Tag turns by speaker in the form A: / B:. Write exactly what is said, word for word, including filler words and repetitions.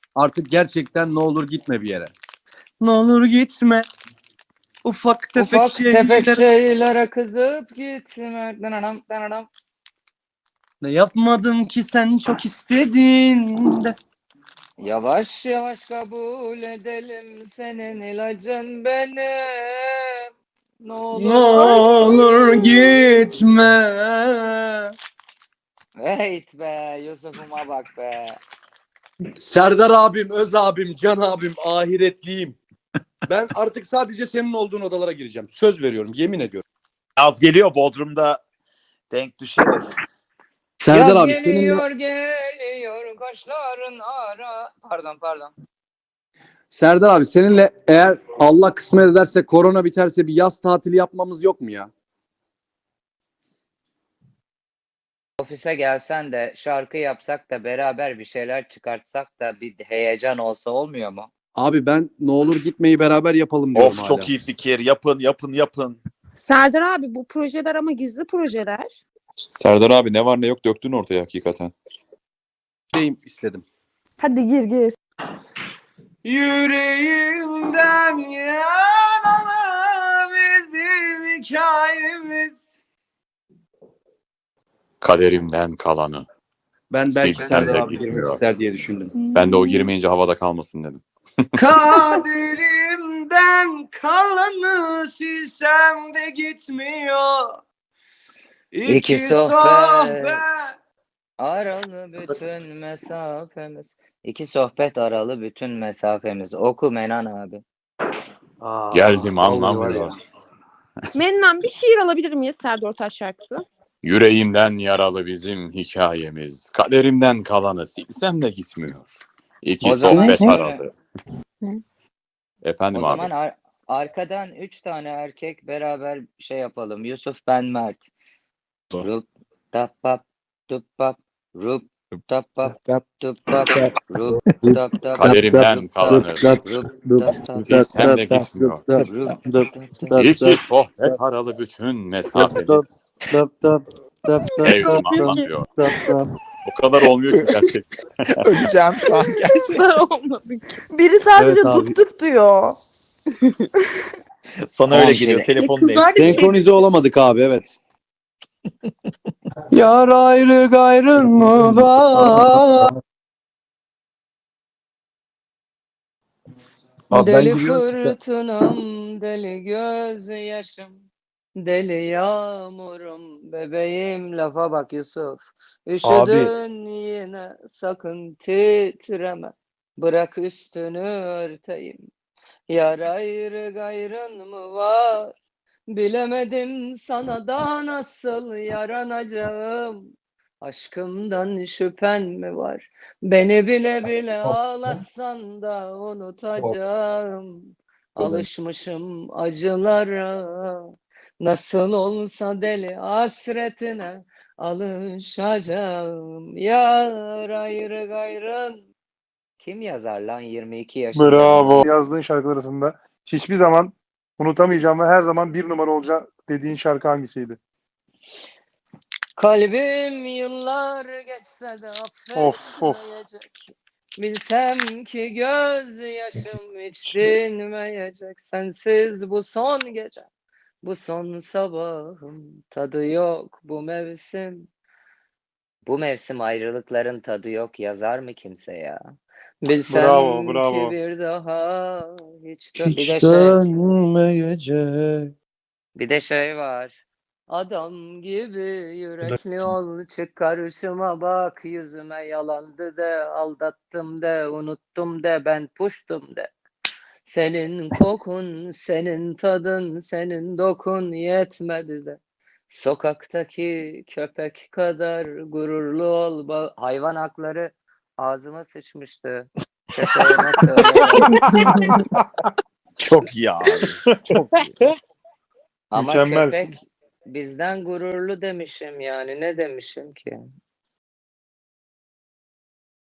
A: Artık gerçekten ne olur gitme bir yere. Ne olur gitme. Ufak tefek
B: Ufak
A: şeyler.
B: tefek şeylere kızıp gitme. Dananam, dananam.
A: Ne yapmadım ki sen çok istedin de.
B: Yavaş yavaş kabul edelim, senin ilacın benim. Ne olur.
A: Ne olur gitme.
B: Wait be, Yusuf'uma bak be.
A: Serdar abim, Öz abim, Can abim, ahiretliyim. Ben artık sadece senin olduğun odalara gireceğim. Söz veriyorum, yemin ediyorum.
C: Yaz geliyor, Bodrum'da denk düşeriz.
A: Serdar
B: Yaz
A: abi seninle
B: geliyor geliyor kaşların ara. Pardon pardon.
A: Serdar abi seninle eğer Allah kısmet ederse, korona biterse bir yaz tatili yapmamız yok mu ya?
B: Ofise gelsen de şarkı yapsak da beraber bir şeyler çıkartsak da bir heyecan olsa olmuyor mu?
A: Abi ben ne olur gitmeyi beraber yapalım diyorum
C: Of
A: hala.
C: çok iyi fikir. Yapın yapın yapın.
D: Serdar abi bu projeler ama gizli projeler.
E: Serdar abi ne var ne yok döktün ortaya hakikaten.
A: Deyim istedim.
D: Hadi gir gir.
A: Yüreğimden yaralı bizim hikayemiz.
E: Kaderimden kalanı.
A: Ben belki
E: Silsem
A: Serdar
E: de
A: abi girmek
E: gitmiyor.
A: ister diye düşündüm.
E: Ben de o girmeyince havada kalmasın dedim.
A: Kaderimden kalanı silsem de gitmiyor. İki,
B: İki
A: sohbet.
B: sohbet. Aralı bütün mesafemiz. İki sohbet aralı bütün mesafemiz. Oku Menan abi.
A: Aa,
E: Geldim
A: vallahi
E: anlamıyor.
A: var ya.
D: Mennan bir şiir alabilir miyiz Serdar Ortaç şarkısı?
E: Yüreğimden yaralı bizim hikayemiz. Kaderimden kalanı silsem de gitmiyor. İki
B: O zaman
E: sohbet
B: şöyle.
E: aradı. Efendim
B: O
E: abi.
B: zaman ar- arkadan üç tane erkek beraber şey yapalım. Yusuf, ben, Mert.
E: Doğru.
B: Rup tap pap tup pap rup tap pap tup pap rup tap tap
E: Kaderimden kalanı
B: rup tap tap
E: silsem de gitmiyor.
B: rup tap tap.
E: İki sohbet aralı bütün mesafemiz. Sevdim anlamıyor. O kadar olmuyor ki gerçekten.
C: Öleceğim şu an gerçekten.
D: Olmadı.
F: Biri sadece
A: Evet abi.
F: dup dup diyor.
C: Sana öyle geliyor. Telefon değil.
D: Kızlar da bir şey
A: Senkronize olamadık abi, evet. Yar ayrı gayrın mı var? Abi ben
B: Deli
A: giriyorum ki sen-
B: fırtınam, deli gözyaşım, deli yağmurum, bebeğim, lafa bak Yusuf. Üşüdün yine, sakın titreme, bırak üstünü örteyim. Yar ayrı gayrın mı var? Bilemedim sana da nasıl yaranacağım. Aşkımdan şüphen mi var? Beni bile bile ağlatsan da unutacağım. Alışmışım acılara. Nasıl olsa deli hasretine alışacağım. Yar ayrı gayrın. Kim yazar lan yirmi iki yaşında?
G: Bravo. Yazdığın şarkılar arasında hiçbir zaman unutamayacağım ve her zaman bir numara olacak dediğin şarkı hangisiydi?
B: Kalbim yıllar geçse de
G: Of, of.
B: affetmeyecek. Bilsem ki gözyaşım hiç dinmeyecek. Sensiz bu son gece, bu son sabahım. Tadı yok bu mevsim. Bu mevsim ayrılıkların tadı yok yazar mı kimse ya? Bilsem
G: Bravo, bravo.
B: ki bir daha hiç, dö- bir
A: Hiç
B: de şey,
A: dönmeyecek.
B: bir de şey var. Adam gibi yürekli ol, çık karşıma bak, yüzüme yalandı de, aldattım de, unuttum de, ben puştum de. Senin kokun, senin tadın, senin dokun yetmedi de. Sokaktaki köpek kadar gururlu ol. Ba- Hayvan hakları ağzıma sıçmıştı. Köpeğime söyle.
C: Çok iyi abi. Çok iyi.
B: Ama
G: Mükemmelsin.
B: köpek bizden gururlu demişim yani. Ne demişim ki?